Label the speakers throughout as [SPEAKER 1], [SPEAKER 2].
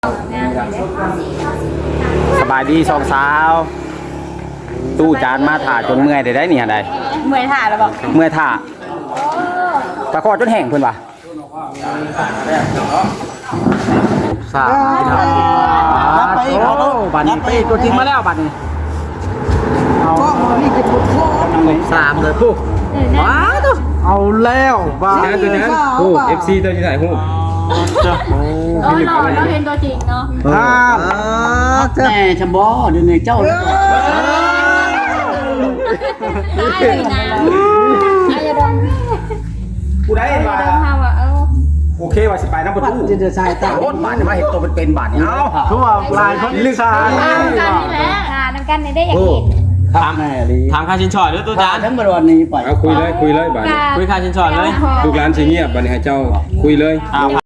[SPEAKER 1] สบายดีสองสาวตู้จานมาถ่าจนเมื่อยได้เนี่ยได้
[SPEAKER 2] เมื่อยถ่าแล้วบอก
[SPEAKER 1] เมื่อยถ่าตะคอจนแห้งเพิ่นว่ะสามไปบัตรนี้ไปตัวจริงมาแล้วบัตรนี้
[SPEAKER 3] ก็นี่จะพูดโค้ง
[SPEAKER 1] สามเลยปุ๊บว้าว
[SPEAKER 3] เอาแล้วบ้า
[SPEAKER 4] ตัวนี้ฮู้ FC ตัวที่ถ่ายฮู้
[SPEAKER 2] หล่อเราเห็นตัวจริงเนาะ
[SPEAKER 3] แม่ชมบอเดี๋ยวนี้เจ้า
[SPEAKER 2] ได้เลยนะอายาดอง
[SPEAKER 1] กูได้มาโอเคว่าสิไปน้ำประตู
[SPEAKER 3] จะใส่ตา
[SPEAKER 1] โคตรบาทจะมาเห็นตัวเป็นบาทนี่เอา
[SPEAKER 3] ทั่วลายคนลึกชา
[SPEAKER 2] น้ำกันนี่แหละน้ำกันได้อย่างนี้
[SPEAKER 4] ถามค่าชินชอดด้วยตัวจาน
[SPEAKER 3] ทั้งวันนี้ไป
[SPEAKER 4] เอาคุยเลยบาทคุยค่าชินชอดเลยลูกหลานสิเงียบบาทนี้ให้เจ้าคุยเลย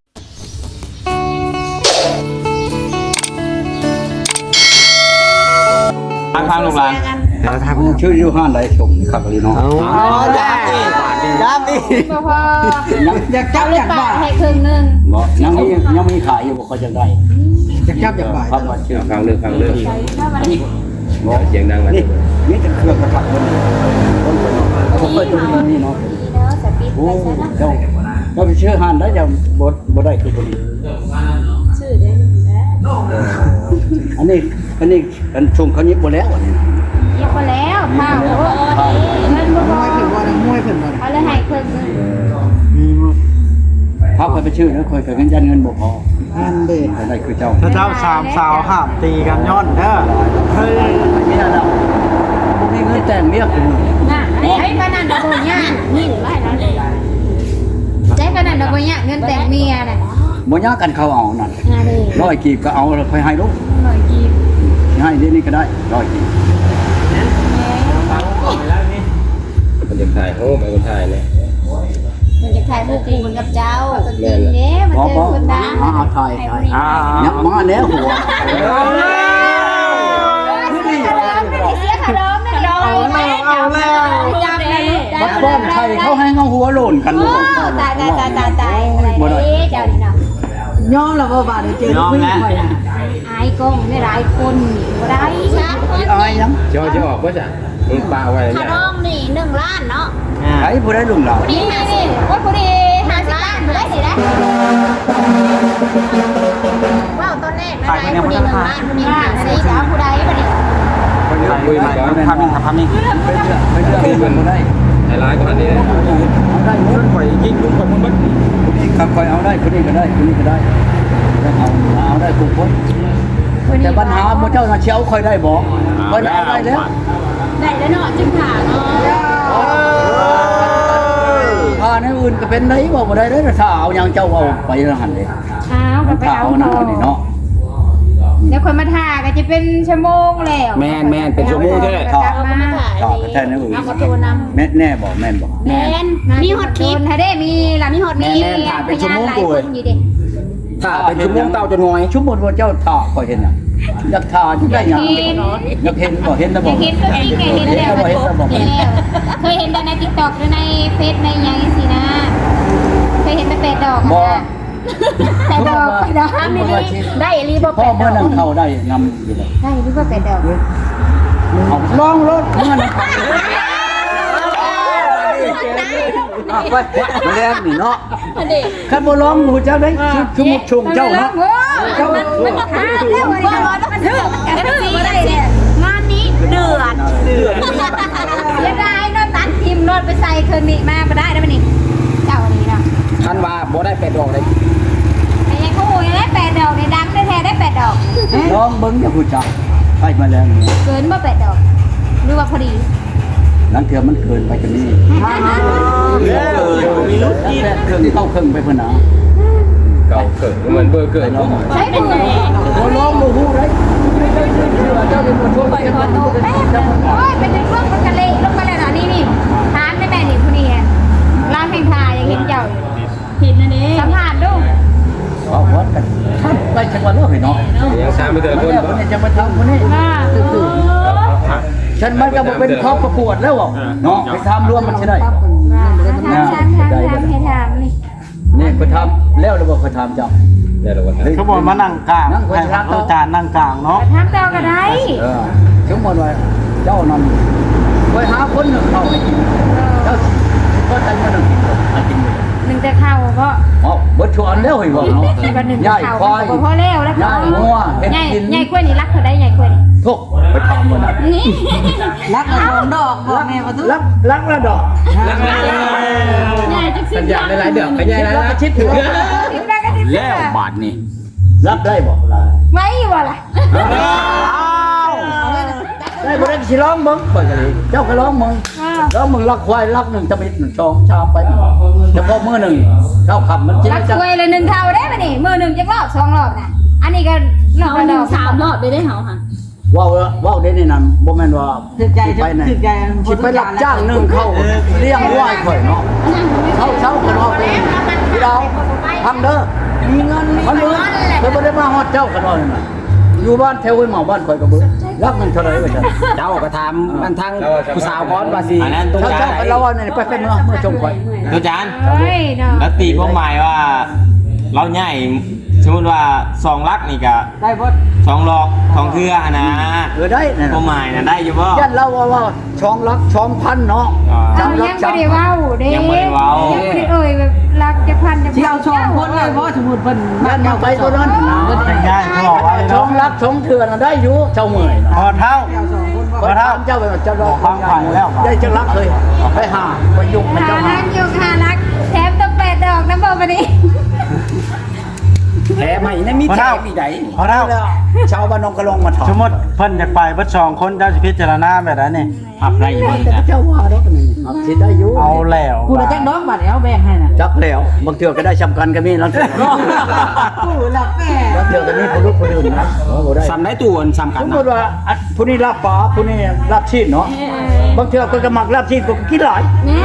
[SPEAKER 4] ทางลูกหลาน
[SPEAKER 3] ทำชื่อยูฮันไรชมขับเลยเนาะได้
[SPEAKER 2] พอ
[SPEAKER 3] อยากจับอยากบ้า
[SPEAKER 2] ให้ครึ่งนึง
[SPEAKER 3] บอกยังมีขายอยู่บอกเขาจะได้อยากจับอยากบ้าครับว่าชื่อ
[SPEAKER 4] ฟังเรื่องเสียงดัง
[SPEAKER 3] นี่นี่จะเครื่องกระถับคนเคยดูนี่เนาะโอ้เจ้าไปชื่อฮันได้จะบดได้คือคนนี้
[SPEAKER 2] ชื่อได้
[SPEAKER 3] อันนี้ชมเขายิบบแล้วอันนี้
[SPEAKER 2] ยิบไปแล้วข้าวเงินบ่พอ
[SPEAKER 3] มวยเพิ่นบ่
[SPEAKER 2] เอาเลยให้ครึ่งนึง
[SPEAKER 3] เขาเคยไปชื่อนะเคยเงินบ่พอนั่นเด้อะไรคือเจ้า
[SPEAKER 5] เจ้าสามสาวห้ามตีกันย้อนเด้อ
[SPEAKER 3] เฮ้ยนี่น่ะมีเงินแต่งเมียกู
[SPEAKER 2] น่ะไอ้ปนันดอกบัวเนี่ยนี่หรือไรนะใช้ปนันดอกบัวเนี่ยเงินแต่งเมียน่ะ
[SPEAKER 3] บ่ยากกันเขาเอานั่น100กีบก็เอาแล้วค่อยให้ลูก
[SPEAKER 2] 100กีบ
[SPEAKER 3] ให้เดี๋ยวนี้ก็ได้100กีบ
[SPEAKER 4] มันจะถ่ายโอ้มันถ่ายเนี่ย
[SPEAKER 2] มันจะถ่ายคู่คู่กับเจ้าจริงเด้มันเจอคนดัง
[SPEAKER 3] ถ่ายยับมาแล้วหัว
[SPEAKER 2] เสียขนมไม่โดนเอาแล้วจับเลย
[SPEAKER 3] บัดบ้านไทยเขาให้เงาหัวโหล่นกันลูก
[SPEAKER 2] ตายบ่ได้เจ้านี่เนาะ
[SPEAKER 3] ย้อนแล้วบ่บาดเจอผู้หญิงค่อยน่ะ
[SPEAKER 2] อายกงได้หลายคนบ่ได้
[SPEAKER 3] อายยัง
[SPEAKER 4] จะออกบ่จ้ะมึงปาไว้
[SPEAKER 2] ขนมนี่1ล้านเนาะ
[SPEAKER 3] ไอ้ผู้ได้ลุงเรา
[SPEAKER 2] ผู้ดีนี่ว่าผู้ดี50ล้านได้สิได้ว้าวตอนแรกนะผู้ดี1ล้านผู้ดี50แล้วผู้ใดบ่นี่
[SPEAKER 4] คุยมาก่อน
[SPEAKER 1] ทำนี่
[SPEAKER 3] เป็นเรื่องบ่ได้
[SPEAKER 4] ไอ้ร้ายกว่านี้
[SPEAKER 3] ได้หมด
[SPEAKER 4] ข่อยยิงลุงข่อยมันบัด
[SPEAKER 3] ครับคอยเอาได้คนนี้ก็ได้คนนี้ก็ได้เอาได้ทุกคนแต่ปัญหาพระเจ้าเชียวคอยได้บอกคอยเอาได้แล้ว
[SPEAKER 2] ได้แล้วเนาะจึงผ่าเนาะ
[SPEAKER 3] ผ่าในอื่นก็เป็นได้บอกบ่ได้เลยถ้าเอาอย่างเจ้าเอาไปแล้วหันเลย
[SPEAKER 2] ไปเอา
[SPEAKER 3] หน้านี่เนาะ
[SPEAKER 2] เดี๋ยวคนมาถ่าก็จะเป็นชั่วโมงแล้ว
[SPEAKER 1] แม่นเป็นชั่วโมงใช่ไหม
[SPEAKER 3] ต่อไปแทนนี่อื่นแน่บอกแม่นบอก
[SPEAKER 2] แม่นมีฮอตคลิปถ้าได้มีล่ะมีฮอตมี
[SPEAKER 1] ถ่าเป็นชั่วโมงกูเลยถ่าเป็นชั่วโมงเต้าจนงอย
[SPEAKER 3] ชั่วโมงว่าเจ้าถ่าคอยเห็นอ่ะอยากถ่าที่ได้ยังอยากเห็นบ่เห็นแล้วบอก
[SPEAKER 2] เห็นก็จริงไงเห็นแล้วเคยเห็นใน TikTok หรือในเฟซในยังสินะเคยเห็นแต่เป็ดดอกแต่ดอกไม่ได้ได้รีบ
[SPEAKER 3] พ่อเมื่อนั้นเขาได้นำอยู่เลย
[SPEAKER 2] ได้รีบเป็ดดอก
[SPEAKER 3] ลองรถเมื่อนั้นไปมาแรงนี่เนาะขันบ่ร้องหูเจ้าได้ชุมชงเจ้าเนาะ
[SPEAKER 2] เจ้ามันขาดแล้วมันถึงมาได้เนี่ยงานนี้เดือดเสียดายนอนตัดทีมนอนไปใส่คืนนี้มาไปได้ไหมนี่เจ้านี้เนาะ
[SPEAKER 1] ท่านว่าบ่ได้เป็ดดอกเลย
[SPEAKER 2] ไอ้ยังเขาโวยได้8 ดอกในดังได้แท้ได้8 ดอก
[SPEAKER 3] น้องเบิ้งจะพูดจับไปมาแล้ว
[SPEAKER 2] เกินบ่8 ดอกหรือว่าพอดี
[SPEAKER 3] นั่นเถื่อมันเกินไปกันนี่มีรถที่เครื่องเข้าเครื่องไปเพื่อนนะ
[SPEAKER 4] เก่าเกิดเหมือนเบอร์เกิด
[SPEAKER 2] ใช่เป็นไง
[SPEAKER 3] ร้องโมโหเลยเจ้าเป็นคนทั่วไป
[SPEAKER 2] ขอโทษแม่โอ้ยเป็นเรื่องมันกะเละลงมาแล้วนะนี่ทานได้แม่นี่ผู้นี้ร้านแห่งทายังเห็นเจ้าเห็นนะนี่สัมผัสดู
[SPEAKER 3] เอาวัดกันไปจังหวัดเลือกเนาะ
[SPEAKER 4] ยังสามไปแต่ละคน
[SPEAKER 3] เนี่ยจะมาทำคนนี้ฉันมันก็เป็นครอบประกวดแล้วเนาะไปทำร่วมมันใช่ได้
[SPEAKER 2] ให้ทำนี่
[SPEAKER 3] นี่ไปทำแล้วหรือเปล่าไปทำจ้ะ
[SPEAKER 4] ได้แล้ววันนั้น
[SPEAKER 5] เขาบอกมานั่งกลางให้อาจารย์นั่งกลางเนาะ
[SPEAKER 2] ทำเจ้าก็ได้
[SPEAKER 3] สมมติว่าเจ้านั่นไปหาคนหนึ่งเข้าให้กินเจ้าก็ใจมาหนึ่งกินมากินเลย
[SPEAKER 2] หนึ่งแต่ข้าวก็
[SPEAKER 3] อ๋อเบิดชวนแล้วเหรอเนาะ
[SPEAKER 2] วันหนึ่ง
[SPEAKER 3] ใหญ่
[SPEAKER 2] ข้าว
[SPEAKER 3] ควาย
[SPEAKER 2] ก็พอแล้วแล้ว
[SPEAKER 3] ใหญ่งัวเห็ด
[SPEAKER 2] ใหญ่
[SPEAKER 3] กิน
[SPEAKER 2] ใหญ่กล้วยนี่รักเขาได้ใหญ่กล้วยนี่
[SPEAKER 3] ทุกไปทำมันนะ
[SPEAKER 2] นี่
[SPEAKER 6] รักเอาของดอกบอกแม่ประตู
[SPEAKER 3] รักระดอก
[SPEAKER 2] ใหญ่จังสิ
[SPEAKER 4] สัญญาณหลายๆเดือนไปใหญ่แล้วนะ
[SPEAKER 3] ชิดถือ
[SPEAKER 2] ถึงได้ก็สิ
[SPEAKER 1] แล้วบาทนี่
[SPEAKER 3] รับได้บ่
[SPEAKER 2] ไม่บ่ล่ะ
[SPEAKER 3] ได้บ่ได้สิร้องมึงไปกันเลยเจ้าก็ร้องมึงร้องมึงรักควายรักหนึ่งจะมิดหนึ่งชองชามไปเฉพาะมื้อหนึ่งเจ้าขับมันกิน
[SPEAKER 2] รัก
[SPEAKER 3] จะ
[SPEAKER 2] กล้วยเลยหนึ่งเท่าได้ป่ะนี่มือหนึ่งจะรอบสองรอบน่ะอันนี้ก็รอบละดอก
[SPEAKER 6] 3 รอบได้เฮาค่ะ
[SPEAKER 3] ว้าวเด้นี่นั่นบ่แม่นว่า
[SPEAKER 6] ถึกใจ
[SPEAKER 3] ไปไหน
[SPEAKER 6] ถึกใจ
[SPEAKER 3] สิไปรับจ้างนึ่งเข้าเลี้ยงวัวให้ข่อยเนาะเขาเช้ากันว่าเป็นพี่ดาวพังเด้อมีเงินมันมือเคยบ่ได้มาฮอดเจ้ากันว่านั่นน่ะอยู่บ้านแถวห้วยหมอบ้านข่อยก็บ่รักมันเท่าไหร่ว่าซั่น
[SPEAKER 1] เจ้าก็ถามมันทางผู้สาวก่อนว่าสิ
[SPEAKER 7] อันนั้นตู้
[SPEAKER 3] เช้า
[SPEAKER 7] จาน
[SPEAKER 3] กันแล้วว่านี่ไปเมื่อชมข่อย
[SPEAKER 7] ตู้จาน
[SPEAKER 2] เฮ้ยเนาะ
[SPEAKER 7] แล้วตีความหมายว่า เราใหญ่สมมติว่า2 ลักนี่ก็
[SPEAKER 6] ได้บ่
[SPEAKER 7] 2 ลอก2เครือนะ
[SPEAKER 3] ได้นั่น
[SPEAKER 7] ความหมายนะได้อยู่บ่
[SPEAKER 3] ยันเราว่าช่องรักช่องพันเนาะ
[SPEAKER 2] เอายังไม่ได้เว้าเด้
[SPEAKER 7] ยังบ่ได้เว้า
[SPEAKER 2] ยังไม่ได้เอ่ยแบบรักจะพันจะ
[SPEAKER 6] ที่เอา2คนเลยบ่สมมุติเพิ่น
[SPEAKER 3] ยันมาไปตัวนั้น
[SPEAKER 5] ง่ายๆเขาบอกไว้
[SPEAKER 3] ช่อ
[SPEAKER 5] เนาะ
[SPEAKER 3] งรักช่องเถื่อนได้อยู่เจ้าเมื่อย
[SPEAKER 5] พอเท่า
[SPEAKER 3] ก็ถามเจ้าไปว่าเจ้ารอได้จะรักเลยไปหาไปยุ่งไปเจ้าหา
[SPEAKER 2] รักอยู่ค่ะรักแถมต้อง8 ดอกน้ำบ่บัดนี้
[SPEAKER 1] แถมให้นะมีแถมอีกได
[SPEAKER 5] พอเท่า
[SPEAKER 3] ชาวบ้านนองกระลงมาถอด
[SPEAKER 5] สมมติเพิ่นอยากไปเบิด2คนเจ้าสิพิจารณาแบบนั้นนี่
[SPEAKER 7] พับได้อยู่นี่นะ
[SPEAKER 3] เจ้าว่าแล้วนี่คิดได้อยู่
[SPEAKER 5] เอาแล้ว
[SPEAKER 6] กูได้จักดอกบัดแล้วแบ่งให้น่ะ
[SPEAKER 3] จักแล้วบางเทื่อก็ได้ชำกันก็มีแล้วเทื่อ
[SPEAKER 6] กูรักแม่
[SPEAKER 3] บางเทื่อก็มีผู้รู้ผู้ดื่นนะบ่ได้
[SPEAKER 1] สำได้ตัวสำ
[SPEAKER 3] ส
[SPEAKER 1] คัญ
[SPEAKER 3] มม
[SPEAKER 1] นะ
[SPEAKER 3] ติว่าผู้นี้รับปลาผู้นี้รับชีพเนาะบางเทื่อก็ก็มักรับชีพก็กินหลาย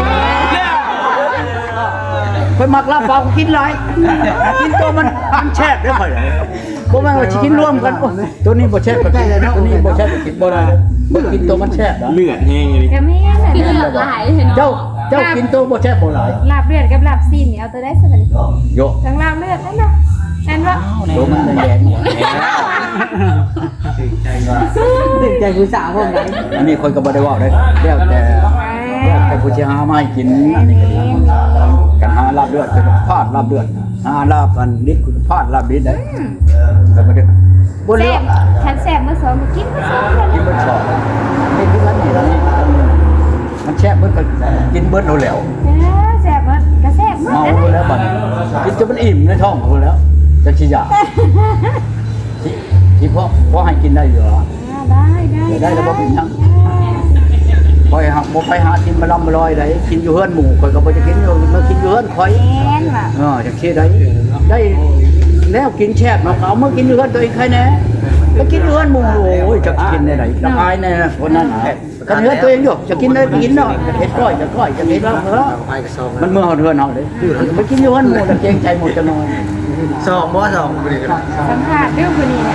[SPEAKER 3] คนมักลาบปลากินหลายกินตัวมันแช่บได้ค่อยบ่แม่นว่าสิกินรวมกันโอ้ตัวนี้บ่แช่บก็กินตัวนี้บ่แช่บก็กินบ่ได้บ่กินตัวมันแช่บนะ
[SPEAKER 7] เลือดแห้งเลย
[SPEAKER 2] ก็ไม่งั้นน่ะ
[SPEAKER 6] เลือดหลายเห็น
[SPEAKER 3] เจ้ากินตัวบ่แช่บบ่หลาย
[SPEAKER 2] ลาบเลือดกับลาบซีนนี่เอาตัวได้สักนิด
[SPEAKER 3] โย
[SPEAKER 2] ทั้งลาบเลือดนั่นน่ะนั่นว่า
[SPEAKER 3] โยมันแดง
[SPEAKER 6] ถึกใจผู้สาวพวกนั้น
[SPEAKER 3] อันนี้คนก็บ่ได้เว้าได้แล้วแต่ผู้สิหามาให้กินอันนี้ก็ดีกันหาลาบเลือดก็พลาดลาบเลือดหาลาบอันนิดคุณพลาดลาบนิดได้ก็บ่ได้บ่เลื
[SPEAKER 2] แซ่
[SPEAKER 3] อบ ก
[SPEAKER 2] ฉันแซ่บมื้อสองมื้อกินมื้อสอง
[SPEAKER 3] กินเบิดสองนี่คืออันนี้แล้วมันแช่บเบิดก็กินเบิดเอาแล้ว
[SPEAKER 2] แซ่บมั้ยก็แซ่บมั้ย
[SPEAKER 3] เอา
[SPEAKER 2] นั่น
[SPEAKER 3] แล้วบัดกินจนมันอิ่มในท้องเอาแล้วจะขี้ยาที่พ่อให้กินได้อยู่เหรอ
[SPEAKER 2] ได้
[SPEAKER 3] แล้วบ่เป็นหยังคอยหักบ่ไปหากินมาลำมาลอยได้กินอยู่เฮือนหมู่ข่อยก็บ่จะกินอยู่มากินอยู่เฮือนข่อย
[SPEAKER 2] แม่นว่ะ
[SPEAKER 3] จังซี่ได้แล้วกินแช่บเนาะเอามากินอยู่เฮือนตัวเองใครแน่ไปกินอยู่เฮือนหมู่โอ้ยจะกินได้ไหนจะอายแน่คนนั้นกันเฮือนตัวเองอยู่จะกินได้กินเนาะจะเฮ็ดก้อยจะก้อยจะเฮ็ดลาบเนาะมันเมื่อเฮาเฮือนเฮาเด้ไปกินอยู่เฮือนหมู่แล้วเกรงใจหมดจะนอน
[SPEAKER 5] 2บ่2
[SPEAKER 2] สัมภาษณ์เรื่องคนนี้เนี่ย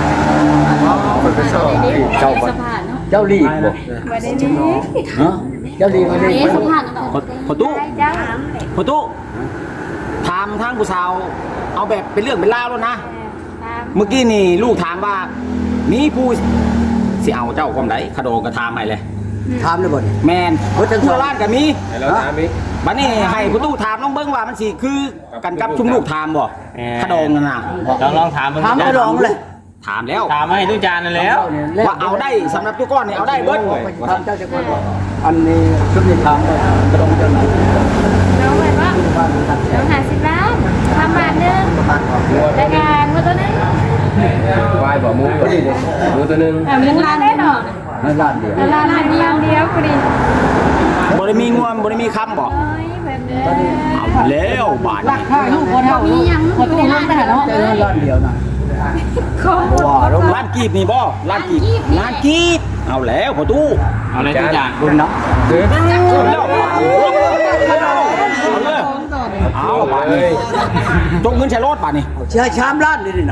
[SPEAKER 3] เจ้าบ่เจ้าลีกบ่
[SPEAKER 2] บ่ได้นี่
[SPEAKER 3] ฮะเจ้าลีกบ่ได้
[SPEAKER 6] สัมภาษณ์
[SPEAKER 1] พอตู้
[SPEAKER 2] ได้จ้า
[SPEAKER 1] พอตู้ถามทางผู้สาวเอาแบบเป็นเรื่องเป็นราวแล้วนะ เมื่อกี้นี่ลูกถามว่ามีผู้สิเอาเจ้าความไหนคาโดก็ถามให้เลย
[SPEAKER 3] ถามเลยบ่
[SPEAKER 1] แมนทั่วร้านก็มี
[SPEAKER 4] ให้เราถามอีก
[SPEAKER 1] บัดนี้ให้ผู้ตู้ถามน้องเบิ้งว่ามันสิคือกันกับชุมลูกถามบ่คาโดงนั่นน่ะ
[SPEAKER 7] ลองถามเบิ่ง
[SPEAKER 3] ถามก็ลองเลย
[SPEAKER 1] ถามแล้ว
[SPEAKER 7] ถามมาให้ตู้จานนั่นแล้ว
[SPEAKER 1] ว่าเอาได้สำหรับตัวก้อนนี่เอาได้เบิ้ง
[SPEAKER 3] ถามเจ้าจะก่อนอันนี้ชุดนี้ถามว่ากระดองเจ้าไหน
[SPEAKER 2] น้องแบบว่าน้อง50 ล้านทำบาทนึงรายการว่าตัวนึง
[SPEAKER 4] วายบ่หมูตัวนี้หมูตัวนึง
[SPEAKER 2] มึงล้านได้หรอ
[SPEAKER 3] ในร้านเดียว
[SPEAKER 2] ล้านเดียวพอดี
[SPEAKER 1] บ่ได้มีงวมบ่ได้มีคำบ่
[SPEAKER 2] เอ้ยแบบนี้
[SPEAKER 1] เอาแล้วบาด
[SPEAKER 6] รักข้าลูกบ่เท่าลูกบ่ตู้รักได้เนาะ
[SPEAKER 3] แต่ร้านเดียวนะ
[SPEAKER 2] เขา
[SPEAKER 3] ว่าแล้ว
[SPEAKER 1] ร้านกีบนี่บ่ร้านกีบร้านกีบเอาแล้วพอตู้
[SPEAKER 7] เอาเลยตู้จาน
[SPEAKER 3] คุณนะ
[SPEAKER 1] เอาแล้วเอาบาดนี้จงเงินใช้รถบาดนี้
[SPEAKER 3] ใช้ชามร้านนี่นะ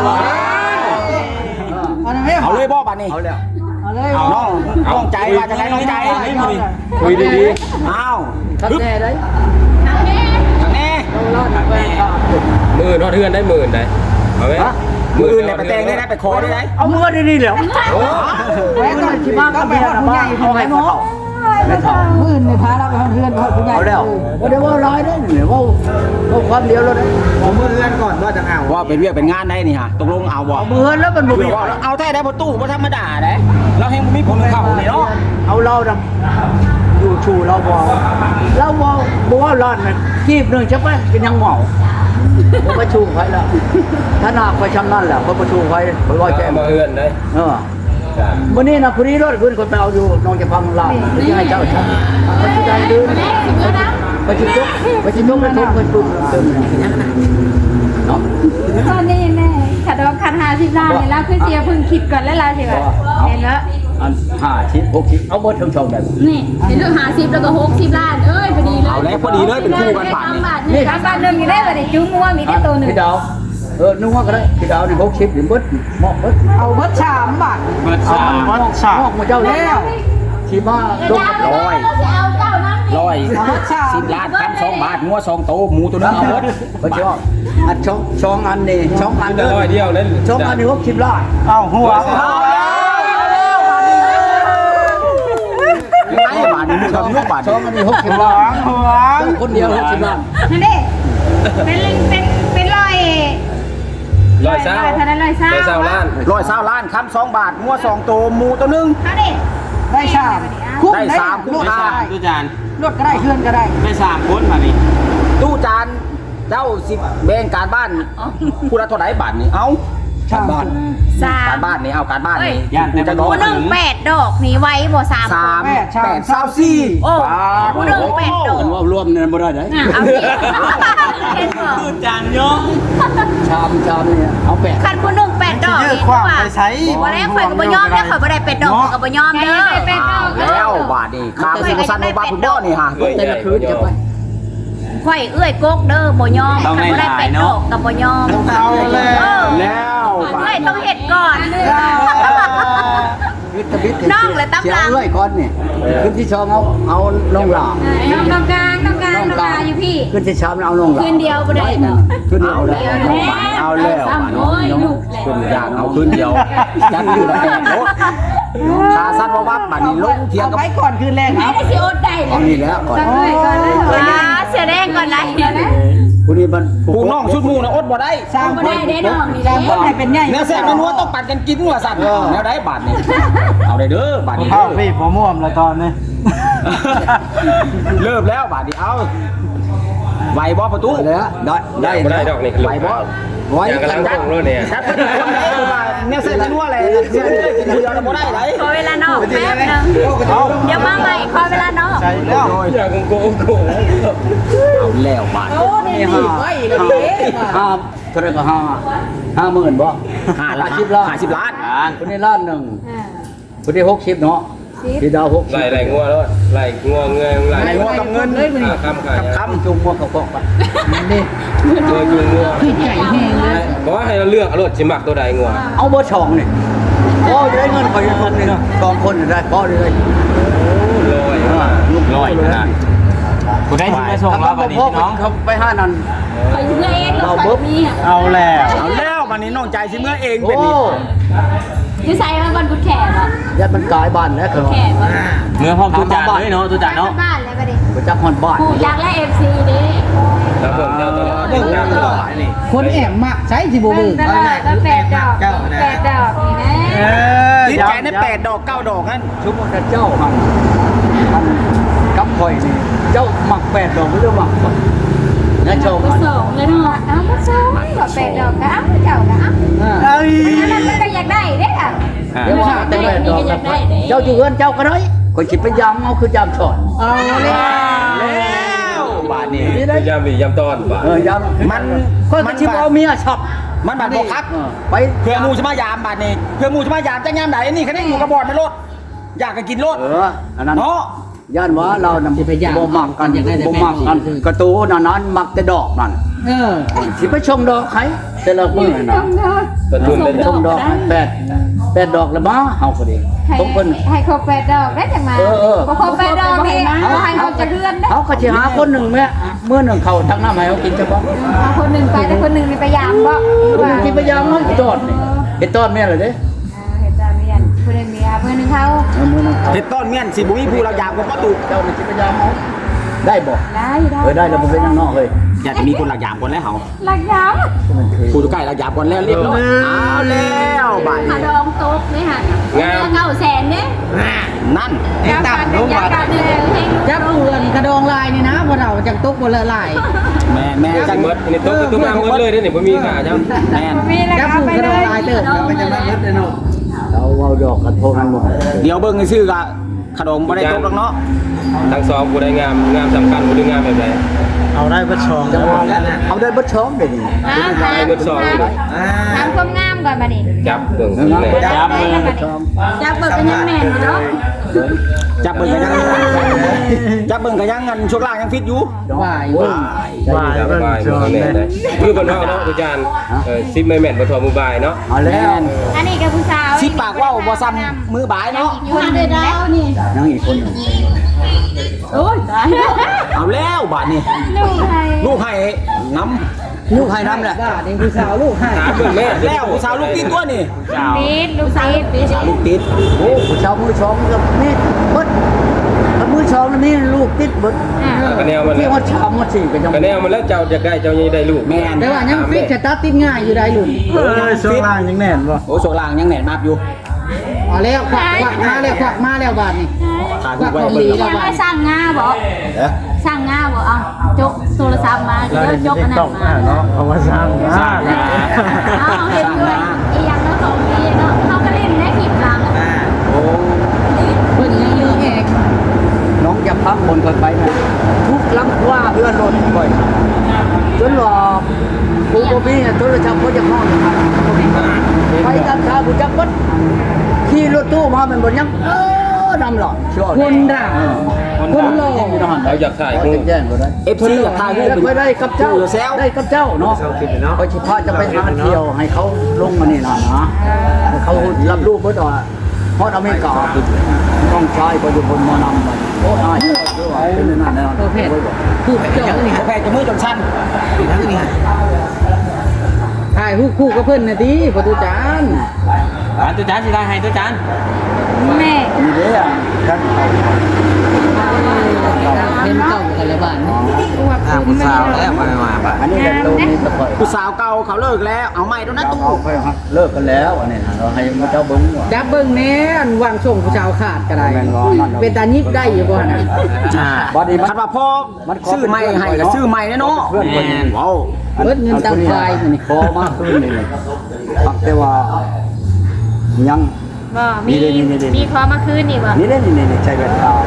[SPEAKER 1] เอาเลยบ่บาดนี้
[SPEAKER 3] เอาแล้ว
[SPEAKER 6] เอาเลย
[SPEAKER 1] น้องใจว่าจะไงน้องใจ
[SPEAKER 4] คุยดี
[SPEAKER 1] อ้าว
[SPEAKER 3] ทักแน่ได้
[SPEAKER 1] แน่
[SPEAKER 3] ร้านแฟนข้า
[SPEAKER 4] ๆหมื่นทอดเทือนได้หมื่นได้เอาไหม
[SPEAKER 1] มืออื่นเนี่ยไปแต่งได้นะไปขอได้ไหม
[SPEAKER 3] เอามือดีๆแล้วไว้ก่อนสิมาก็ไปหาผู้ใหญ่เอาให้พ่อไม่ถอด
[SPEAKER 6] มื้อนี่พาเราไปเฮือนพ่อผู้ใหญ่
[SPEAKER 3] เอาแล้วบ่ได้ว่าร้ายเด้อเนี่ยว่าความเดียวแล้ว
[SPEAKER 5] ผมมือเลื่อนก่อนว่าจะเอา
[SPEAKER 1] ว่าเป็นเวียกเป็นงานได้นี่ฮะตกลงเอาบ่
[SPEAKER 3] เอามือแล้วมันบ่มี
[SPEAKER 1] เอาแท้ได้ประตูบ่ธรรมดาได้เราให้มีผลเข้านี่เนาะ
[SPEAKER 3] เอาเราดำอยู่ชูเราบ่ว่าร้อนมันกีบนึงจะไปเป็นยังเหมาบ่ประชุมไว้แล้วถ้านาไปชำนั่นแหละบ่ประชุมไว้บ่ว่าแจ้ง
[SPEAKER 4] มาเฮือนได้
[SPEAKER 3] มื้อนี้นะผู้นี้รถขึ้นคนไปเอาอยู่น้องจะพังลาดหรือยังให้เจ้าชักไปที่ใดดื้อไปที่ตุ๊กไปที่ตุ๊กไปทุบไปปุ๊บเติมเนาะ
[SPEAKER 2] ตอนนี้แน่ขัดดอกขัด50ล้านนี่แล้วคือเสียเพิ่งคิดก่อนแล้วล่ะสิว่าเห็นแล้ว
[SPEAKER 3] อัน5ชิ้น6ชิ้นเอาหมดทั้งช่องแบบ
[SPEAKER 2] นี่เป็นเรื่อง50แล้วก็60ล้านเอ้ยพอดีเลย
[SPEAKER 1] เอาแล้วพอดีเลยเป็นคู่กันบาทนี่
[SPEAKER 2] นี่บาทนึงอยู่ได้บ่ได้จุ้งงัวมีแต่ตัวนึง
[SPEAKER 3] พี่ดาวนึกว่าก็ได้พี่ดาวนี่6ชิ้นหรือเบิดเหมาะเบิด
[SPEAKER 6] เอาเบิด3บาท
[SPEAKER 7] เบิด
[SPEAKER 3] เอา
[SPEAKER 7] สาม
[SPEAKER 3] วัดฉากมาเจ้าแล้วที่มาลง
[SPEAKER 1] ร้อย
[SPEAKER 2] เอาเจ้านั้นนี่
[SPEAKER 1] ร้อย10 ล้านคำ2 บาทงัว2โตหมูตัวนึงเอาหมด
[SPEAKER 3] เขาชอบอันช่องอันนี่ช่องอัน
[SPEAKER 4] เดี
[SPEAKER 3] เด้อ
[SPEAKER 4] ยวเดียวนั่น
[SPEAKER 3] ช่องอันนี่60ล้าน
[SPEAKER 5] เอาหัว
[SPEAKER 1] ไอ้บาทนี่มึงทำยุบบาท
[SPEAKER 3] ช่องอันนี้60
[SPEAKER 5] หัว
[SPEAKER 3] ล้าน
[SPEAKER 5] หัว
[SPEAKER 3] คนเดียว60ล้าน
[SPEAKER 2] นั่นดิเป็นร้อย
[SPEAKER 4] ร้อยเศร้า
[SPEAKER 2] เท่านั้นร้อยเศร้า
[SPEAKER 4] ร้อยเศร้าล้าน
[SPEAKER 1] 120 ล้านคำ2 บาทงัว2โตหมูตัวนึง
[SPEAKER 2] เอาดิ
[SPEAKER 6] ได้3คุ้ม
[SPEAKER 1] ได้สามคุ้ม
[SPEAKER 6] ได้
[SPEAKER 1] ห้า
[SPEAKER 7] ตู้จาน
[SPEAKER 6] รถก็ได้เฮือนก็ได้
[SPEAKER 7] ได้3คนมานี่
[SPEAKER 1] ตู้จานเจ้าสิแบ่งการบ้านผู้ละเท่าไหร่บาทนี่เอาการบ้าน
[SPEAKER 2] สา
[SPEAKER 1] การ
[SPEAKER 2] ม
[SPEAKER 1] บ้านนี่เอาการบ้านนี่
[SPEAKER 7] ย่านแต่
[SPEAKER 1] จะ
[SPEAKER 7] บ่
[SPEAKER 2] ผู้หนึ่ง8 ดอกนี่ไว้บ่3
[SPEAKER 1] 3 8 24
[SPEAKER 2] โอ้ผู้หนึ่ง8 ดอก
[SPEAKER 3] มันว่ารวมเนี่ยบ่ได้เด้
[SPEAKER 2] เอาดิเห็นบ่
[SPEAKER 7] ตู้จานเยอะ
[SPEAKER 3] ชามเนี่ยเอา8
[SPEAKER 2] คันผู้หนึ่ง8 ดอก
[SPEAKER 5] ยืด
[SPEAKER 2] นี่
[SPEAKER 5] ความ
[SPEAKER 2] ว่า
[SPEAKER 5] ไปใช้
[SPEAKER 2] บ่ได้ข่อยก็บ่ยอมเด้อข่อยบ่ได้8 ดอกข่อยก็บ่ยอมเด้อ
[SPEAKER 1] อ้าวแล้วบาทนี่ข้ามสิบสั้นในบาทคุณบ่นี่ฮะ
[SPEAKER 3] แต่ละคืนจะไป
[SPEAKER 2] ข่อยเอื้อยกกเด้อบ่ยอมคันบ่ได้8 ดอกก็บ่ยอม
[SPEAKER 5] เอาเลย
[SPEAKER 1] แล้วบา
[SPEAKER 2] เอ้
[SPEAKER 1] ท
[SPEAKER 2] ยต้องเฮ็ดก่อน
[SPEAKER 3] วิทย์วิทย์
[SPEAKER 2] น้องเลยตำลัง
[SPEAKER 3] เสียเอ้ยก่อนนี่ขึ้นที่ช่องเอาน้องหลา
[SPEAKER 2] น้องกลางอยู่พี่
[SPEAKER 3] ขึ้นที่ชามเอาน้องหลา
[SPEAKER 2] คืนเดียวบ่ได้
[SPEAKER 3] ขึ้นเอาแล้ว
[SPEAKER 1] เอาแล้วบาทน้องขึ้นยากเอาขึ้นเดียวจันอยู่ละแปดรถขาสั้นว่าวับบาทนี่ลงเทียงกับ
[SPEAKER 6] ไปก่อนคืนแรก
[SPEAKER 2] ไม่
[SPEAKER 6] เนาะ
[SPEAKER 2] ได้สิอดได้เล
[SPEAKER 3] เอา
[SPEAKER 2] ย
[SPEAKER 3] นี่แล้วก่อน
[SPEAKER 2] เสียแดงก่อนไร
[SPEAKER 3] ผู้นี้มัน
[SPEAKER 1] ผู้น้องชุดมูนะอดบ่ได้
[SPEAKER 6] สร้าง
[SPEAKER 2] บ่
[SPEAKER 6] คน
[SPEAKER 2] ได้ได้น้องนี่
[SPEAKER 6] สร้างคนให้เป็นใหญ่
[SPEAKER 1] เนื้อแซ่บเนื้อนัวต้องปัดกันกินว่าสั่นแล้วได้บาทนี่เอาได้เด้อบาทนี้
[SPEAKER 5] เข้าพี่ผมม่วมแล้วตอนนี้
[SPEAKER 1] เริ่มแล้วบาทนี้เอาไหวบ่ประตู
[SPEAKER 3] แล้วได้
[SPEAKER 4] บ่ได้ดอกนี่
[SPEAKER 1] ไหวบ่
[SPEAKER 3] ไว้
[SPEAKER 4] ยังกำลังส่งรถเนี่ย
[SPEAKER 1] ชัดเนี่ยเส้นนัวอะไรเส้นเลือดกินเดียวเราบ่ได้ไหน
[SPEAKER 2] ขอเวลานอกแป๊บนึงเดี๋ยวมาใหม่ขอเวลานอก
[SPEAKER 5] ใช่แล้ว
[SPEAKER 4] อยากโกง
[SPEAKER 1] เอาแล้วบาท
[SPEAKER 3] นี่ห้าเท่าไรก็50,000บ่50 ล้าน
[SPEAKER 1] 50 ล้าน
[SPEAKER 3] คนนี้ล้านหนึ่งคนนี้60เนาะพี่ดาว60
[SPEAKER 4] ไหลงัวแล้วไหลงัวเงินไหล
[SPEAKER 1] ไหลงัวกับเงิน
[SPEAKER 4] คำขาย
[SPEAKER 1] คำ
[SPEAKER 3] จุงมัวเขาก็ไปนี่
[SPEAKER 4] ตัวจูงงัว
[SPEAKER 6] ที่ใหญ่แห้งเลย
[SPEAKER 4] บอกว่าให้เราเลือกเอารถชิมักตัวใดงัว
[SPEAKER 3] เอาเบอร์ช่องนี่พ่อจะได้เงินไปคนนึง2คนได้พ่อเลย
[SPEAKER 7] ลอยขนาดคุณได้ชิมมาส่งมาบัดนี้พี่น้อง
[SPEAKER 3] เขาไป5นั่น
[SPEAKER 2] ขอเมื่อเองก็ขอมี
[SPEAKER 5] เอาแล้ว
[SPEAKER 1] เอาแล้ววันนี้น้องใจสิเมื่อเอง
[SPEAKER 3] โอ้
[SPEAKER 1] เป็นนี่
[SPEAKER 2] อยู่ใส่มาบนกุดแขกอ่ะ
[SPEAKER 3] ยัดมันกลายบ้านแล้วคือ
[SPEAKER 2] แขกอ่ะ
[SPEAKER 7] เมื่อพร้อมตู้จานเลยเนาะตู้จานเนาะ
[SPEAKER 2] บ้านแล้วประเดี๋ยว
[SPEAKER 3] ไปจักฮอนบ้าน
[SPEAKER 2] ผูกยางและ FC ดิ
[SPEAKER 4] แล้วผมเจ้าตลอด
[SPEAKER 6] คนแอบมักใช้สิบ่เบิ่ง
[SPEAKER 2] แล้ว8 ดอก8 ดอกนี่นะ
[SPEAKER 1] ลิ้นแกนได้8 ดอก 9 ดอกนั่น
[SPEAKER 3] ชุบว่าเจ้าหันกับข่อยนี่เจ้าหมัก8ดอกไม่ได้หมักข่อยนั่นชม
[SPEAKER 2] ก็สองเลยเนาะเอาก็สองก็8 ดอกก็เอาเจ้าก็เอา
[SPEAKER 5] เอ้ย
[SPEAKER 2] นั่นมันก็อยากได้เด้อ่ะ
[SPEAKER 3] เดี๋ยวว่าแต่8ดอกเจ้าอยู่เฮือนเจ้าก็ได้ข่อยสิไปยามเอาคือยามสอน
[SPEAKER 6] เอาเลย
[SPEAKER 1] แล้วบาทนี้
[SPEAKER 4] ยำดียำตอนบ่าย
[SPEAKER 3] ยาม
[SPEAKER 1] มัน
[SPEAKER 3] คนก็สิเอาเมียชอบ
[SPEAKER 1] มันบาดบอกคัก
[SPEAKER 3] ไป
[SPEAKER 1] เพื่อมูจะมายามบาดนี้เพื่อมูจะมายามจะยามไหนนี่คะแนนหมูกระบอกไม่ลดอยากจะกินรถ
[SPEAKER 3] อันนั้น
[SPEAKER 1] เนาะ
[SPEAKER 3] ย่านว่าเรานำบ่มักกันบ่มักกันกระตูนั้นมักแต่ดอกนั่น
[SPEAKER 6] เออ
[SPEAKER 3] สิไปชมดอกใครแต่ละมื้อน่ะ
[SPEAKER 4] ตัวจุ่มเลย
[SPEAKER 3] ชมดอก8 8 ดอกแล้วมาเฮาก็ดีต้องเพิ่น
[SPEAKER 2] ให้ครบ8ดอกได้จังมาบ่ครบ8ดอกนี่เอาให้เขาจะเรือนได้
[SPEAKER 3] เขาก็สิหาคนหนึงแม่มื้อหนึงเขาตักน้ำให้เขากินซะบ่
[SPEAKER 2] เอาคนหนึงไปแต่คนหนึงนี่ไปยามบ่ว่า
[SPEAKER 3] กินพยายามมันจอดนี่เฮ็ดตอนแม่เลยเด้
[SPEAKER 2] เฮ็ดตามเรียนผู้ใดมีผู้หนึงเขา
[SPEAKER 3] มื้อนึงเขา
[SPEAKER 1] เฮ็ดต้นเมียนสิบ่มีผู้เราอยากบ่ประตู
[SPEAKER 3] เจ้านี่สิพยายามเอาได้บ่
[SPEAKER 2] ได้ได้
[SPEAKER 3] ได้แล้วบ่เป็นหยังเนาะเฮ้ย
[SPEAKER 1] อยากจะมีคนหลักยามก่อนแล้วเฮา
[SPEAKER 2] หลักยาม
[SPEAKER 3] มันคือ
[SPEAKER 1] ผู้อยู่ใกล้หลักยามก่อนแล้วเรียบร้อยเอาแล้วบาด
[SPEAKER 2] ขา
[SPEAKER 1] นี้
[SPEAKER 2] ดองตกนี่หั่น900,000เด้
[SPEAKER 1] นั่น
[SPEAKER 2] จับกันเป็นจับกันเลยให้
[SPEAKER 6] จับเพื่อนกระดองลายนี่นะบ่เราจังตกบ่ละลาย
[SPEAKER 1] แม่
[SPEAKER 4] จั
[SPEAKER 1] จั
[SPEAKER 4] ง
[SPEAKER 1] ง
[SPEAKER 4] หมดอันนี้ตุ๊กมาหมดเลยเด้อนี่บ่มีค่าจ้ะ
[SPEAKER 1] แม่น
[SPEAKER 2] มีแล้ว
[SPEAKER 6] จับ
[SPEAKER 2] เอา
[SPEAKER 6] ผู้
[SPEAKER 2] ไป
[SPEAKER 6] กระ
[SPEAKER 2] เล
[SPEAKER 6] ดอง
[SPEAKER 2] ย
[SPEAKER 6] ลายเติบ
[SPEAKER 5] ไปจะมาเฮ็ดเลยเนาะ
[SPEAKER 3] เราเอาดอกกระทงนั้นบ่
[SPEAKER 1] เดี๋ยวเบิ่งซื่อๆก็ขนมบ่ได้ตกหรอกเนาะ
[SPEAKER 4] ทั้งสองผู้ใดงามสำคัญผู้ใดงามแบบใด
[SPEAKER 5] เอาได้เบ่ชอง
[SPEAKER 3] จังหวะเอาได้เบิดช้อมเด้นี่
[SPEAKER 4] ได้เบิดสองเลย
[SPEAKER 2] ถามความงามก่อนบัดนี้
[SPEAKER 4] จับเบิ่งแม่
[SPEAKER 2] จับมือจับเบิกเป็นยังแม่นเนาะ
[SPEAKER 1] จับเบิ่งก็ยังจับเบิ่งก็ยังงันช่วงล่างยังฟิตอยู่
[SPEAKER 6] วาย
[SPEAKER 3] โอ้ย
[SPEAKER 5] บ่าย
[SPEAKER 4] จับ
[SPEAKER 5] เบิ่ง
[SPEAKER 4] บ่าย
[SPEAKER 5] ชอง
[SPEAKER 4] แม่
[SPEAKER 5] ได้
[SPEAKER 4] ได้คือเพิ่นว่าเนาะอาจารย์ซิปแม่นบ่ทอมือบ่ายเนาะ
[SPEAKER 3] เอาแล้ว
[SPEAKER 2] อันนี้กับผู้สาว
[SPEAKER 1] สิปากเว้าบ่ซ้ำมือบ่ายเนาะ
[SPEAKER 2] คนเดียวดาวนี่
[SPEAKER 3] ยังอีกคนหนึง
[SPEAKER 2] โอ้ยตาย
[SPEAKER 1] เอาแล้วบาดนี้
[SPEAKER 2] ลูกให้
[SPEAKER 1] ลูกให้น้ำ
[SPEAKER 3] ลูกให้น้ำแหละ
[SPEAKER 6] ว่านี่ผู้สาวลูกให้
[SPEAKER 4] ถามเพิ่นแม่
[SPEAKER 1] แล้วผู้สาวลูกติดตัวนี่
[SPEAKER 2] ติดลูกติด
[SPEAKER 1] สาวลูกติด
[SPEAKER 3] โอ้ผู้ชาวมือช้อมกับนี่เบิดถ้ามือช้อมนี่ลูกติดเบิด
[SPEAKER 4] กระแนวมัน
[SPEAKER 3] ที่
[SPEAKER 4] แล้ว
[SPEAKER 3] ว่าชามว่าสิก็ยัง
[SPEAKER 4] กระแนวมันแล้วเจ้าจะได้เจ้ายังได้ลูก
[SPEAKER 1] แม่น
[SPEAKER 6] แต่ว่ายังฟิตจะตัดติดง่ายอยู่ได้ลุน
[SPEAKER 5] เออช่วงล่างยังแน่นบ่
[SPEAKER 1] โอ้ช่วงล่างยังแหน่นมากอยู่
[SPEAKER 6] เอาแล้วควักมาแล้วควักมาแล้วบาดนี่
[SPEAKER 1] ถ่าย
[SPEAKER 6] ควัก
[SPEAKER 1] ไว้
[SPEAKER 6] ของ
[SPEAKER 1] เบิ่
[SPEAKER 6] ดี
[SPEAKER 1] ง
[SPEAKER 6] แล้ว
[SPEAKER 2] ยัง
[SPEAKER 6] บา
[SPEAKER 2] ให้
[SPEAKER 6] ด
[SPEAKER 2] สร้างงาบ่
[SPEAKER 3] เด้อ
[SPEAKER 2] สร้างงาบ่เอาจกโทรศัพท์มาเดี๋ยวยกอันนั้น
[SPEAKER 5] ต้อง
[SPEAKER 2] มา
[SPEAKER 5] เนาะเพราะว่าสร้างสร้าง
[SPEAKER 2] เอาเห็นด้วยอีหยังแล้วของดีเนาะเขาก็เล่นได้คลิปหลัง
[SPEAKER 3] โอ้
[SPEAKER 6] เพิ่นยังยื้อแอก
[SPEAKER 3] น้องอย่าพักคนกันไปนะทุกลำว่าเพื่อนรถบ่อยจนว่ากูบ่มีโทรศัพท์บ่จะห้องนะครับไปตามทางกูจักเบิดขี่รถตู้มามันบ่ยังนำหรอกชั่ว
[SPEAKER 6] คนด่าคนหล่อ
[SPEAKER 4] เราอยากถ่าย
[SPEAKER 3] เขา
[SPEAKER 4] รู
[SPEAKER 3] จะ
[SPEAKER 4] ป
[SPEAKER 3] แจ้งก็ได้
[SPEAKER 1] FC อยากถ่ายรูป
[SPEAKER 3] ไปได้กับเจ้า
[SPEAKER 1] อยู่แซว
[SPEAKER 3] ได้กับเจ้าเนาะ
[SPEAKER 5] เซาคลิปเนาะ
[SPEAKER 3] ไปชิพาจะไปหาเที่ยวให้เขาลงมานี่น่ะนะให้เขารับรู้เบิดว่าฮอดอเมริกาต้องใช้ประยุทธ์มานำไปโอ้ยเป็นนั่นแน่นอน
[SPEAKER 6] ตัวเพศผู้เจ้านี่
[SPEAKER 1] แพทย์จะมือจนสั้น
[SPEAKER 6] ถ่ายคู่กับเพิ่นน่ะติประตูจาน
[SPEAKER 7] ตัวจานสิได้ให้ตัวจาน
[SPEAKER 2] แม่
[SPEAKER 3] มีเด้อท่านเขา
[SPEAKER 6] เห็นเก่ากันแล้วบาดนี่
[SPEAKER 5] ผู้สาวแล้วมาบ่
[SPEAKER 3] อันนี้แหละตรงนี้ก็ค่อย
[SPEAKER 1] ผู้สาวเก่าเขาเลิกแล้วเอาใหม่แล้วนะตู้
[SPEAKER 3] เอาค่อยเลิกกันแล้วอันนี้นะเราให้เจ้าเบิ้งว่า
[SPEAKER 6] จับเบิ่งแหน่อันวางส่งผู้สาวขาดก็ได้เป็นตายิบได้อยู่บ่น่ะ
[SPEAKER 3] บัดนี้
[SPEAKER 1] คันว่าพ่อซื้อใหม่ให้ก็ซื้อใหม่แน่เนาะ
[SPEAKER 3] เพื่อนคนนี้
[SPEAKER 1] ว้าว
[SPEAKER 6] เบิดเงินตามไฟนี่
[SPEAKER 3] พอมากขึ้นนี่ปักแต่ว่ายัง
[SPEAKER 2] บ่มีพอมาคืนนี่บ่
[SPEAKER 3] นี่เล่นนี่ใช้แว่นตาง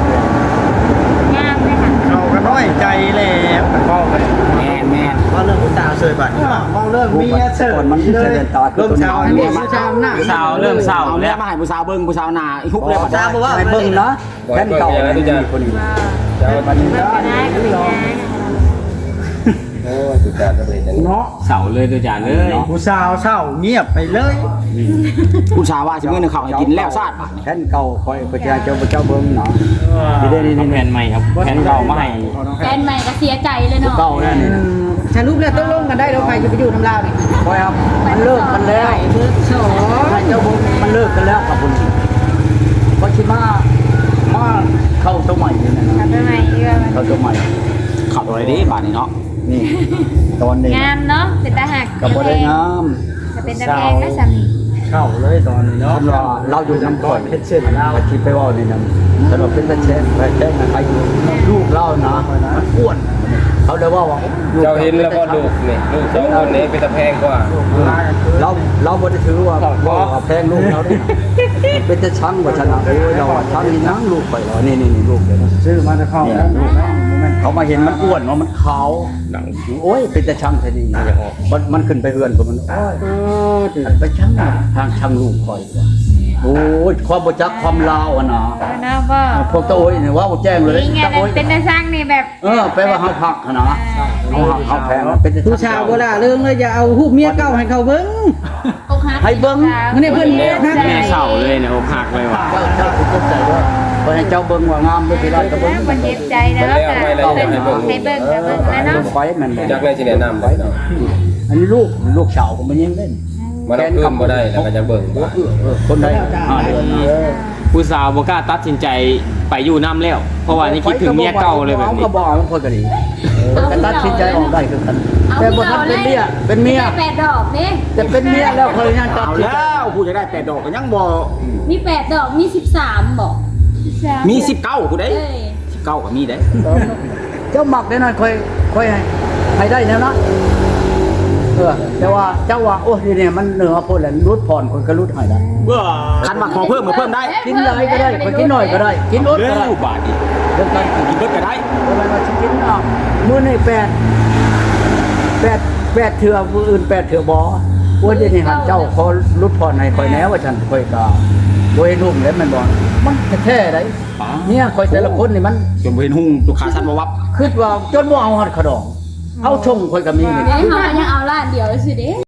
[SPEAKER 2] ามเลยค่ะ
[SPEAKER 5] เขาก็น้อยใจแล้วพ่อกัน
[SPEAKER 1] แม่นแม่น
[SPEAKER 5] ว่าเรื่องผู้สาวเสยบัดมองเรื่องเมียเสย
[SPEAKER 3] ก่อนมันใช้แว่นตา
[SPEAKER 5] เริ่มเช้า
[SPEAKER 6] อันนี้ผู้สาวหน้า
[SPEAKER 7] สาวเริ่มเศร้า
[SPEAKER 1] เอา
[SPEAKER 7] แล้
[SPEAKER 1] แล้ว วมาให้ผู้สาวเบิ่งผู้สาวหน้าอีหุบเลย
[SPEAKER 3] ผู้สาวบอกว่าให้เบิ้งนะแค่เก่าคนนี้
[SPEAKER 4] เจ้า
[SPEAKER 3] บัดนี้
[SPEAKER 2] เบิ่งก็ได้ก็เป็นไง
[SPEAKER 4] โอ้ตัวจานก็เลยจัง
[SPEAKER 5] เนาะ
[SPEAKER 7] เสาเลยตัวจานเลย
[SPEAKER 5] ผู้สาวเศร้าเงียบไปเลย
[SPEAKER 1] ผู้สาวว่าสิมื้อนึงเขาให้กินแล้วซาด
[SPEAKER 3] แค่เก่าคอยประชาชนเจ้าเบิ้งเนาะนี่ได้นี่
[SPEAKER 7] เอาแผ่นใหม่ครับแผ่นเก่ามาให้
[SPEAKER 2] แฟนใหม่ก็เสียใจเลยเนาะ
[SPEAKER 3] เก่านั่นนี่นะ
[SPEAKER 6] สรุปแล้วตกลงกันได้แล้วใครจะไปอยู่น้ำลาวนี่
[SPEAKER 3] คอยครับมันเลิกกันแล้ว
[SPEAKER 6] เบิดสอง
[SPEAKER 3] เจ้าบุญมันเลิกกันแล้วกับคุณก็ชิมาเข้าตัวใหม่นี่นะ
[SPEAKER 2] ทำได้ไหมเอื้อมัน
[SPEAKER 3] เข้าตัวใหม่
[SPEAKER 1] เขาอะไรดิบาดนี้เนาะ
[SPEAKER 3] นี่ตอนนี้
[SPEAKER 2] งามเนาะเป็นตาหัก
[SPEAKER 3] กับบ่ได้งาม
[SPEAKER 2] จะเป็นตาแพงนะสามี
[SPEAKER 5] เข้าเลยตอนนี้เนาะ
[SPEAKER 3] คำว่าเราอยู่น้ำก่อน
[SPEAKER 5] เพชรเช่นเรา
[SPEAKER 3] อาชีพไปว่านี่นะสำหรับเป็นตะแช่ไปแช่ใครลูกเล่านะมันอ้วนเขาเลยว่า
[SPEAKER 4] เจ้าเห็นแล้วก็ลูกนี่ลูกสองคนนี้เป็นตะแพงกว่า
[SPEAKER 3] เราบ่ได้ถือว่าแพงลูกเราด้วยเป็นจะชังว่าชนะโอ้ยเราชังนี่นั่งลูกไปแล้วนี่ลูกเลยนะ
[SPEAKER 5] ซื้อมาจะเข้าแล้วลูกนะ
[SPEAKER 3] เขามาเห็นมันอ้วนว่ามันขาว
[SPEAKER 4] หนัง
[SPEAKER 3] โอ้ยเป็นแต่ช่างแท้ดีมันขึ้นไปเฮือนผมมันโอ้ยไปช่างทางช่างลูกคอยโอ้ยความบ่จักความลาวอ่ะนะ
[SPEAKER 2] เนาะบ่
[SPEAKER 3] พวกตะโอ้ยเนี่ยว่าบ่แจ้งเลย
[SPEAKER 2] นี่ไง
[SPEAKER 3] ตะโอ้ย
[SPEAKER 2] เป็นตาสร้างนี่แบบ
[SPEAKER 3] แปลว่าเฮาพักนะเฮาหักเฮาแพงเป็น
[SPEAKER 6] ผู้ชาวโบราณเรื่องเลยอย่าเอาหูปเมียเก่าให้เขาเบิ่ง
[SPEAKER 2] โอ้อกหัก
[SPEAKER 3] ให้เบิ่ง
[SPEAKER 6] นี่เพิ่นนะ
[SPEAKER 7] แม่เศร้าเลยเนี่ยอกหักเลยว่ะ
[SPEAKER 3] เจ้าคุณใจด้วยเพราะให้เจ้าเบิ่งว่างามด้วยที่ไรก็เบิ่ง
[SPEAKER 2] มันเจ็บใจนะให้เบิ่งแล้วเนาะ
[SPEAKER 3] ไฟมัน
[SPEAKER 4] จักได้สิแนะนำไปเนาะ
[SPEAKER 3] อันนี้ลูกสาวก็มันยังเล่น
[SPEAKER 4] มันเอาคืนบ่ได้แล้วก็จะเบิ่งบ่
[SPEAKER 3] คนใด5 เดือน
[SPEAKER 7] ผู้สาวบ่กล้าตัดสินใจไปอยู่น้ำแล้ว เพราะว่านี่คิดถึงเมียเก่าเลยแบบนี้
[SPEAKER 3] ก็บอกมันคนก็ดีแต่ตัดสินใจออกได้คือกันแต่บ่ทันเป็นเมียเป็นเมีย
[SPEAKER 2] แปดดอกนี่
[SPEAKER 3] แต่เป็นเมียแล้วคนยังตัด
[SPEAKER 1] เอา
[SPEAKER 3] สินใจ
[SPEAKER 1] แล้วผู้จะได้8ดอกก็ยังบ่
[SPEAKER 2] มี8ดอกมี13บอก
[SPEAKER 1] มี19ผู้ใด
[SPEAKER 2] เอ้ย
[SPEAKER 1] 19ก็มีได้
[SPEAKER 3] เจ้าหมักได้นั่นค่อยให้ได้แนวนั้นแต่ว่าเจ้าว่าโอ้ทีเนี่ยมันเหนือพูดแล้วรุดผ่อนคนก็รุดให้ได้
[SPEAKER 1] คันว่าขอเพิ่มก็เพิ่มได้
[SPEAKER 3] กินอะไรก็ได้คนกินหน่อยก็ได้กินอด
[SPEAKER 1] เร็
[SPEAKER 3] ก็ได้
[SPEAKER 1] วบาทอีก
[SPEAKER 3] เรื่องการกิน
[SPEAKER 1] กินเบิดก็ได้
[SPEAKER 3] อะไรมากินมื้อนี้8เถื่อผู้อื่น8เถื่อบ่ว่าเดี๋ยวนี้หันเจ้าขอรุดผ่อนให้ค่อยแน่ว่าฉันค่อยก็บ่เห็นหุ่มแล้วมันบ่มันแท้ๆได้เนี่ยค่อยแต่ละคนนี่มัน
[SPEAKER 1] จนบ่เห็นหุ่งลูกค้าสั่นบ่วับ
[SPEAKER 3] คิดว่าจนบ่เอาฮอดขะดองเอาชงค่อยก็มีนี่
[SPEAKER 2] เดี๋ยวเขายังเอาล้านเดียวสิเด้